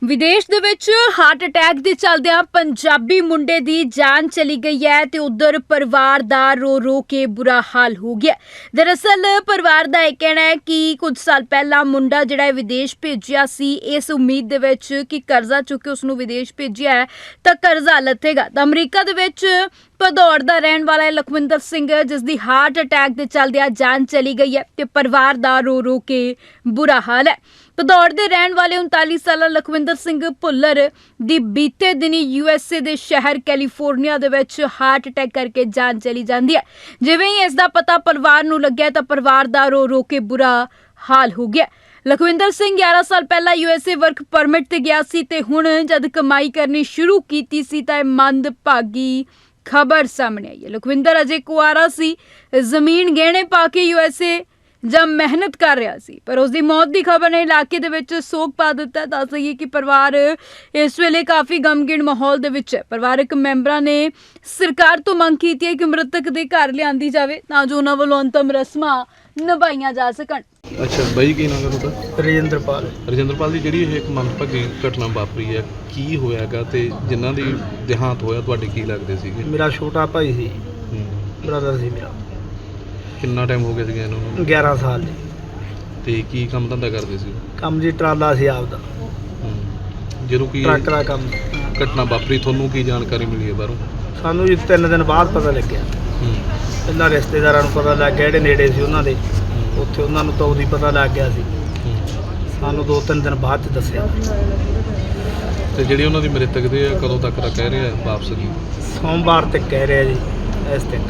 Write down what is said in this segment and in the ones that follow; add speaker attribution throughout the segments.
Speaker 1: ਵਿਦੇਸ਼ ਦੇ ਵਿੱਚ ਹਾਰਟ ਅਟੈਕ ਦੇ ਚੱਲਦਿਆਂ ਪੰਜਾਬੀ ਮੁੰਡੇ ਦੀ ਜਾਨ ਚਲੀ ਗਈ ਹੈ ਤੇ ਉਧਰ ਪਰਿਵਾਰ ਦਾ ਰੋ ਰੋ ਕੇ ਬੁਰਾ ਹਾਲ ਹੋ ਗਿਆ। ਦਰਅਸਲ ਪਰਿਵਾਰ ਦਾ ਇਹ ਕਹਿਣਾ ਹੈ ਕਿ ਕੁਝ ਸਾਲ ਪਹਿਲਾਂ ਮੁੰਡਾ ਜਿਹੜਾ ਹੈ ਵਿਦੇਸ਼ ਭੇਜਿਆ ਸੀ ਇਸ ਉਮੀਦ ਦੇ ਵਿੱਚ ਕਿ ਕਰਜ਼ਾ ਚੁੱਕ ਕੇ ਉਸ ਨੂੰ ਵਿਦੇਸ਼ ਭੇਜਿਆ ਹੈ ਤਾਂ ਕਰਜ਼ਾ ਲੱਥੇਗਾ। ਤਾਂ ਅਮਰੀਕਾ ਦੇ ਵਿੱਚ ਭਦੌੜ ਦਾ ਰਹਿਣ ਵਾਲਾ ਹੈ ਲਖਵਿੰਦਰ ਸਿੰਘ, ਜਿਸ ਦੀ ਹਾਰਟ ਅਟੈਕ ਦੇ ਚੱਲਦਿਆਂ ਜਾਨ ਚਲੀ ਗਈ ਹੈ ਤੇ ਪਰਿਵਾਰ ਦਾ ਰੋ ਰੋ ਕੇ ਬੁਰਾ ਹਾਲ ਹੈ। ਭਦੌੜ ਦੇ ਰਹਿਣ ਵਾਲੇ 39 ਸਾਲਾ ਲਖਵਿੰਦਰ ਸਿੰਘ ਭੁੱਲਰ ਦੀ ਬੀਤੇ ਦਿਨੀ USA ਦੇ ਸ਼ਹਿਰ ਕੈਲੀਫੋਰਨੀਆ ਦੇ ਵਿੱਚ ਹਾਰਟ ਅਟੈਕ ਕਰਕੇ ਜਾਨ ਚਲੀ ਜਾਂਦੀ ਹੈ। ਜਿਵੇਂ ਹੀ ਇਸ ਦਾ ਪਤਾ ਪਰਿਵਾਰ ਨੂੰ ਲੱਗਿਆ ਤਾਂ ਪਰਿਵਾਰ ਦਾ ਰੋ ਰੋ ਕੇ ਬੁਰਾ ਹਾਲ ਹੋ ਗਿਆ। ਲਖਵਿੰਦਰ ਸਿੰਘ 11 ਸਾਲ ਪਹਿਲਾਂ USA ਵਰਕ ਪਰਮਿਟ ਤੇ ਗਿਆ ਸੀ ਤੇ ਹੁਣ ਜਦ ਕਮਾਈ ਕਰਨੀ ਸ਼ੁਰੂ ਕੀਤੀ ਸੀ ਤਾਂ ਇਹ ਮੰਦਭਾਗੀ ਖਬਰ ਸਾਹਮਣੇ ਆਈ ਹੈ। ਲਖਵਿੰਦਰ ਅਜੇ ਕੁਆਰਾ ਸੀ, ਜ਼ਮੀਨ ਗਹਿਣੇ ਪਾ ਕੇ USA ਜਦ ਮਿਹਨਤ ਕਰ ਰਿਹਾ ਸੀ, ਪਰ ਉਸ ਦੀ ਮੌਤ ਦੀ ਖਬਰ ਨੇ ਇਲਾਕੇ ਦੇ ਵਿੱਚ ਸੋਗ ਪਾ ਦਿੱਤਾ। ਦੱਸ ਦਈਏ ਕਿ ਪਰਿਵਾਰ ਇਸ ਵੇਲੇ ਕਾਫੀ ਗਮਗੀਨ ਮਾਹੌਲ ਦੇ ਵਿੱਚ ਹੈ। ਪਰਿਵਾਰਕ ਮੈਂਬਰਾਂ ਨੇ ਸਰਕਾਰ ਤੋਂ ਮੰਗ ਕੀਤੀ ਹੈ ਕਿ ਮ੍ਰਿਤਕ ਦੇ ਘਰ ਲਿਆਂਦੀ ਜਾਵੇ ਤਾਂ ਜੋ ਉਹਨਾਂ ਵੱਲੋਂ ਅੰਤਮ ਰਸਮਾਂ ਨਿਭਾਈਆਂ ਜਾ ਸਕਣ।
Speaker 2: ਅੱਛਾ ਬਾਈ, ਕੀ ਨਾਮ ਹੈ ਤੁਹਾਡਾ?
Speaker 3: ਰਜਿੰਦਰਪਾਲ
Speaker 2: ਦੀ ਜਿਹੜੀ ਇਹ ਇੱਕ ਮੰਦਭਾਗੀ ਘਟਨਾ ਵਾਪਰੀ ਹੈ, ਕੀ ਹੋਇਆਗਾ ਤੇ ਜਿਨ੍ਹਾਂ ਦੀ ਦੇਹਾਂਤ ਹੋਇਆ ਤੁਹਾਡੇ ਕੀ ਲੱਗਦੇ ਸੀਗੇ?
Speaker 3: ਮੇਰਾ ਛੋਟਾ ਭਾਈ ਸੀ, ਬ੍ਰਦਰ ਸੀ ਮੇਰਾ।
Speaker 2: ਕਿੰਨਾ ਟਾਈਮ ਹੋ ਗਿਆ ਸੀਗਾ ਇਹਨੂੰ?
Speaker 3: 11 ਸਾਲ ਜੀ।
Speaker 2: ਤੇ ਕੀ ਕੰਮ ਧੰਦਾ ਕਰਦੇ ਸੀ?
Speaker 3: ਕੰਮ ਜੀ ਟਰਾਲਾ ਸੀ ਆਪਦਾ,
Speaker 2: ਜਦੋਂ ਕੀ
Speaker 3: ਟਰੱਕ ਦਾ ਕੰਮ।
Speaker 2: ਘਟਨਾ ਵਾਪਰੀ ਤੁਹਾਨੂੰ ਕੀ ਜਾਣਕਾਰੀ ਮਿਲੀ ਹੈ ਬਾਹਰੋਂ?
Speaker 3: ਸਾਨੂੰ ਜੀ 3 ਦਿਨ ਬਾਅਦ ਪਤਾ ਲੱਗਿਆ। ਪਹਿਲਾਂ ਰਿਸ਼ਤੇਦਾਰਾਂ ਨੂੰ ਪਤਾ ਲੱਗ ਗਿਆ, ਜਿਹੜੇ ਨੇੜੇ ਸੀ ਉਹਨਾਂ ਦੇ, ਉੱਥੇ ਉਹਨਾਂ ਨੂੰ ਤਾਂ ਉਦੋਂ ਹੀ ਪਤਾ ਲੱਗ ਗਿਆ ਸੀ। ਸਾਨੂੰ 2-3 ਦਿਨ ਬਾਅਦ 'ਚ ਦੱਸਿਆ।
Speaker 2: ਤੇ ਜਿਹੜੀ ਉਹਨਾਂ ਦੀ ਮ੍ਰਿਤਕ ਦੇ ਕਦੋਂ ਤੱਕ ਦਾ ਕਹਿ ਰਿਹਾ ਵਾਪਸ ਦੀ?
Speaker 3: ਸੋਮਵਾਰ ਤੱਕ ਕਹਿ ਰਿਹਾ ਜੀ, ਇਸ ਤੱਕ।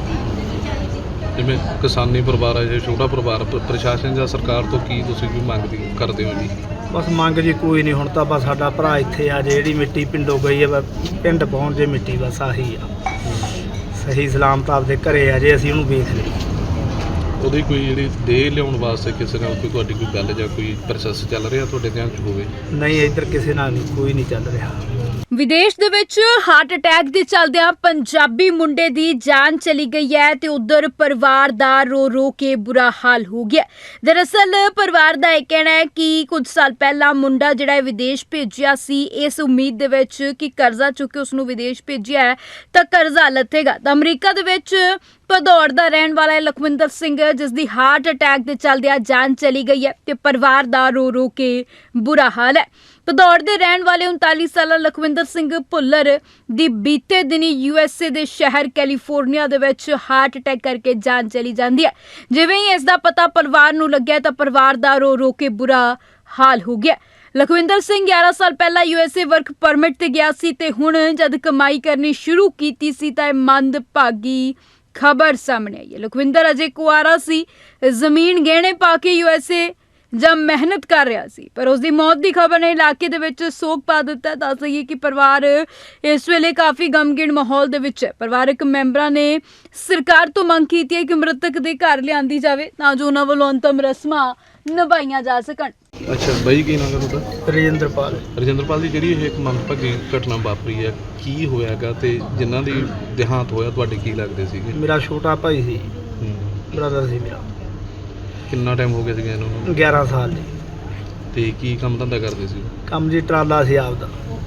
Speaker 2: ਜਿਵੇਂ ਕਿਸਾਨੀ ਪਰਿਵਾਰ ਹੈ, ਜੇ ਛੋਟਾ ਪਰਿਵਾਰ, ਪ੍ਰਸ਼ਾਸਨ ਜਾਂ ਸਰਕਾਰ ਤੋਂ ਕੀ ਤੁਸੀਂ ਵੀ ਮੰਗ ਕਰਦੇ ਹੋ ਜੀ?
Speaker 3: ਬਸ ਮੰਗ ਜੀ ਕੋਈ ਨਹੀਂ, ਹੁਣ ਤਾਂ ਬਸ ਸਾਡਾ ਭਰਾ ਇੱਥੇ ਆ, ਜਿਹੜੀ ਮਿੱਟੀ ਪਿੰਡੋਂ ਗਈ ਹੈ ਪਿੰਡ ਪਹੁੰਚ ਜੇ ਮਿੱਟੀ, ਬਸ ਆਹੀ ਆ। ਸਹੀ ਸਲਾਮਤ ਆਪਦੇ ਘਰੇ ਆ ਜੇ ਅਸੀਂ ਉਹਨੂੰ ਵੇਖ ਲਈਏ।
Speaker 2: ਉਹਦੀ ਕੋਈ ਜਿਹੜੀ ਦੇਹ ਲਿਆਉਣ ਵਾਸਤੇ ਕਿਸੇ ਨਾਲ ਕੋਈ ਤੁਹਾਡੀ ਕੋਈ ਗੱਲ ਜਾਂ ਕੋਈ ਪ੍ਰੋਸੈਸ ਚੱਲ ਰਿਹਾ ਤੁਹਾਡੇ ਧਿਆਨ 'ਚ ਹੋਵੇ?
Speaker 3: ਨਹੀਂ, ਇੱਧਰ ਕਿਸੇ ਨਾਲ ਨਹੀਂ, ਕੋਈ ਨਹੀਂ ਚੱਲ ਰਿਹਾ।
Speaker 1: ਵਿਦੇਸ਼ ਦੇ ਵਿੱਚ ਹਾਰਟ ਅਟੈਕ ਦੇ ਚੱਲਦਿਆਂ ਪੰਜਾਬੀ ਮੁੰਡੇ ਦੀ ਜਾਨ ਚਲੀ ਗਈ ਹੈ ਤੇ ਉਧਰ ਪਰਿਵਾਰ ਦਾ ਰੋ ਰੋ ਕੇ ਬੁਰਾ ਹਾਲ ਹੋ ਗਿਆ। ਦਰਅਸਲ ਪਰਿਵਾਰ ਦਾ ਇਹ ਕਹਿਣਾ ਹੈ ਕਿ ਕੁਝ ਸਾਲ ਪਹਿਲਾਂ ਮੁੰਡਾ ਜਿਹੜਾ ਹੈ ਵਿਦੇਸ਼ ਭੇਜਿਆ ਸੀ ਇਸ ਉਮੀਦ ਦੇ ਵਿੱਚ ਕਿ ਕਰਜ਼ਾ ਚੁੱਕ ਕੇ ਉਸ ਨੂੰ ਵਿਦੇਸ਼ ਭੇਜਿਆ ਹੈ ਤਾਂ ਕਰਜ਼ਾ ਲੱਥੇਗਾ। ਤਾਂ ਅਮਰੀਕਾ ਦੇ ਵਿੱਚ ਭਦੌੜ ਦਾ ਰਹਿਣ ਵਾਲਾ ਹੈ ਲਖਵਿੰਦਰ ਸਿੰਘ, ਜਿਸ ਦੀ ਹਾਰਟ ਅਟੈਕ ਦੇ ਚੱਲਦਿਆਂ ਜਾਨ ਚਲੀ ਗਈ ਹੈ ਤੇ ਪਰਿਵਾਰ ਦਾ ਰੋ ਰੋ ਕੇ ਬੁਰਾ ਹਾਲ ਹੈ। ਭਦੌੜ ਦੇ ਰਹਿਣ ਵਾਲੇ 39 ਸਾਲਾ ਲਖਵਿੰਦਰ ਸਿੰਘ ਭੁੱਲਰ ਦੀ ਬੀਤੇ ਦਿਨੀ USA ਦੇ ਸ਼ਹਿਰ ਕੈਲੀਫੋਰਨੀਆ ਦੇ ਵਿੱਚ ਹਾਰਟ ਅਟੈਕ ਕਰਕੇ ਜਾਨ ਚਲੀ ਜਾਂਦੀ ਹੈ। ਜਿਵੇਂ ਹੀ ਇਸ ਦਾ ਪਤਾ ਪਰਿਵਾਰ ਨੂੰ ਲੱਗਿਆ ਤਾਂ ਪਰਿਵਾਰ ਦਾ ਰੋ ਰੋ ਕੇ ਬੁਰਾ ਹਾਲ ਹੋ ਗਿਆ। ਲਖਵਿੰਦਰ ਸਿੰਘ 11 ਸਾਲ ਪਹਿਲਾਂ USA ਵਰਕ ਪਰਮਿਟ ਤੇ ਗਿਆ ਸੀ ਤੇ ਹੁਣ ਜਦ ਕਮਾਈ ਕਰਨੀ ਸ਼ੁਰੂ ਕੀਤੀ ਸੀ ਤਾਂ ਇਹ ਮੰਦਭਾਗੀ ਖਬਰ ਸਾਹਮਣੇ ਆਈ ਹੈ। ਲਖਵਿੰਦਰ ਅਜੇ ਕੁਆਰਾ ਸੀ, ਜ਼ਮੀਨ ਗਹਿਣੇ ਪਾ ਕੇ USA ਜਦ ਮਿਹਨਤ ਕਰ ਰਿਹਾ ਸੀ, ਪਰ ਉਸ ਦੀ ਮੌਤ ਦੀ ਖਬਰ ਨੇ ਇਲਾਕੇ ਦੇ ਵਿੱਚ ਸੋਗ ਪਾ ਦਿੱਤਾ। ਦੱਸ ਦਈਏ ਕਿ ਪਰਿਵਾਰ ਇਸ ਵੇਲੇ ਕਾਫੀ ਗਮਗੀਨ ਮਾਹੌਲ ਦੇ ਵਿੱਚ ਹੈ। ਪਰਿਵਾਰਕ ਮੈਂਬਰਾਂ ਨੇ ਸਰਕਾਰ ਤੋਂ ਮੰਗ ਕੀਤੀ ਹੈ ਕਿ ਮ੍ਰਿਤਕ ਦੇ ਘਰ ਲਿਆਂਦੀ ਜਾਵੇ ਤਾਂ ਜੋ ਉਹਨਾਂ ਵੱਲੋਂ ਅੰਤਮ ਰਸਮਾਂ ਨਿਭਾਈਆਂ ਜਾ ਸਕਣ।
Speaker 2: ਅੱਛਾ ਬਾਈ, ਕੀ ਨਾਮ ਹੈ ਤੁਹਾਡਾ?
Speaker 3: ਰਜਿੰਦਰਪਾਲ
Speaker 2: ਦੀ ਜਿਹੜੀ ਇਹ ਇੱਕ ਮੰਦਭਾਗੀ ਘਟਨਾ ਵਾਪਰੀ ਹੈ, ਕੀ ਹੋਇਆਗਾ ਤੇ ਜਿਨ੍ਹਾਂ ਦੀ ਦੇਹਾਂਤ ਹੋਇਆ ਤੁਹਾਡੇ ਕੀ ਲੱਗਦੇ ਸੀਗੇ?
Speaker 3: ਮੇਰਾ ਛੋਟਾ ਭਾਈ ਸੀ, ਬ੍ਰਦਰ ਸੀ ਮੇਰਾ।
Speaker 2: ਕਿੰਨਾ ਟਾਈਮ ਹੋ ਗਿਆ ਸੀਗਾ ਇਹਨੂੰ?
Speaker 3: 11 ਸਾਲ ਜੀ।
Speaker 2: ਤੇ ਕੀ ਕੰਮ ਧੰਦਾ ਕਰਦੇ ਸੀ?
Speaker 3: ਕੰਮ ਜੀ ਟਰਾਲਾ ਸੀ ਆਪਦਾ,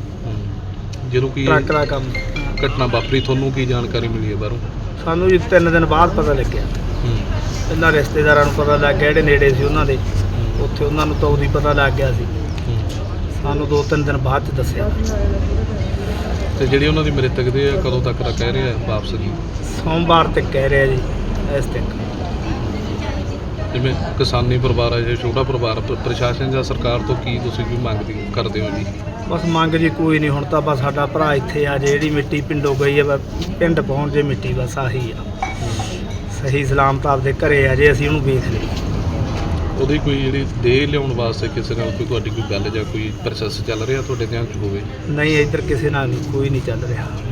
Speaker 2: ਜਦੋਂ ਕੀ
Speaker 3: ਟਰੱਕ ਦਾ ਕੰਮ।
Speaker 2: ਘਟਨਾ ਵਾਪਰੀ ਤੁਹਾਨੂੰ ਕੀ ਜਾਣਕਾਰੀ ਮਿਲੀ ਹੈ ਬਾਹਰੋਂ?
Speaker 3: ਸਾਨੂੰ ਜੀ 3 ਦਿਨ ਬਾਅਦ ਪਤਾ ਲੱਗਿਆ। ਪਹਿਲਾਂ ਰਿਸ਼ਤੇਦਾਰਾਂ ਨੂੰ ਪਤਾ ਲੱਗ ਗਿਆ, ਜਿਹੜੇ ਨੇੜੇ ਸੀ ਉਹਨਾਂ ਦੇ, ਉੱਥੇ ਉਹਨਾਂ ਨੂੰ ਤਾਂ ਉਦੋਂ ਹੀ ਪਤਾ ਲੱਗ ਗਿਆ ਸੀ। ਸਾਨੂੰ 2-3 ਦਿਨ ਬਾਅਦ 'ਚ ਦੱਸਿਆ।
Speaker 2: ਤੇ ਜਿਹੜੀ ਉਹਨਾਂ ਦੀ ਮ੍ਰਿਤਕ ਦੇ ਕਦੋਂ ਤੱਕ ਦਾ ਕਹਿ ਰਿਹਾ ਵਾਪਸ ਦੀ?
Speaker 3: ਸੋਮਵਾਰ ਤੱਕ ਕਹਿ ਰਿਹਾ ਜੀ, ਇਸ ਤੱਕ।
Speaker 2: ਜਿਵੇਂ ਕਿਸਾਨੀ ਪਰਿਵਾਰ ਹੈ, ਜੇ ਛੋਟਾ ਪਰਿਵਾਰ, ਪ੍ਰਸ਼ਾਸਨ ਜਾਂ ਸਰਕਾਰ ਤੋਂ ਕੀ ਤੁਸੀਂ ਵੀ ਮੰਗ ਕਰਦੇ ਹੋ ਜੀ?
Speaker 3: ਬਸ ਮੰਗ ਜੀ ਕੋਈ ਨਹੀਂ, ਹੁਣ ਤਾਂ ਬਸ ਸਾਡਾ ਭਰਾ ਇੱਥੇ ਆ, ਜਿਹੜੀ ਮਿੱਟੀ ਪਿੰਡੋਂ ਗਈ ਹੈ ਪਿੰਡ ਪਹੁੰਚ ਜੇ ਮਿੱਟੀ, ਬਸ ਆਹੀ ਆ। ਸਹੀ ਸਲਾਮਤ ਆਪਦੇ ਘਰੇ ਆ ਜੇ ਅਸੀਂ ਉਹਨੂੰ ਵੇਖ ਲਈਏ।
Speaker 2: ਉਹਦੀ ਕੋਈ ਜਿਹੜੀ ਦੇਹ ਲਿਆਉਣ ਵਾਸਤੇ ਕਿਸੇ ਨਾਲ ਕੋਈ ਤੁਹਾਡੀ ਕੋਈ ਗੱਲ ਜਾਂ ਕੋਈ ਪ੍ਰੋਸੈਸ ਚੱਲ ਰਿਹਾ ਤੁਹਾਡੇ ਧਿਆਨ 'ਚ ਹੋਵੇ?
Speaker 3: ਨਹੀਂ, ਇੱਧਰ ਕਿਸੇ ਨਾਲ ਨਹੀਂ, ਕੋਈ ਨਹੀਂ ਚੱਲ ਰਿਹਾ।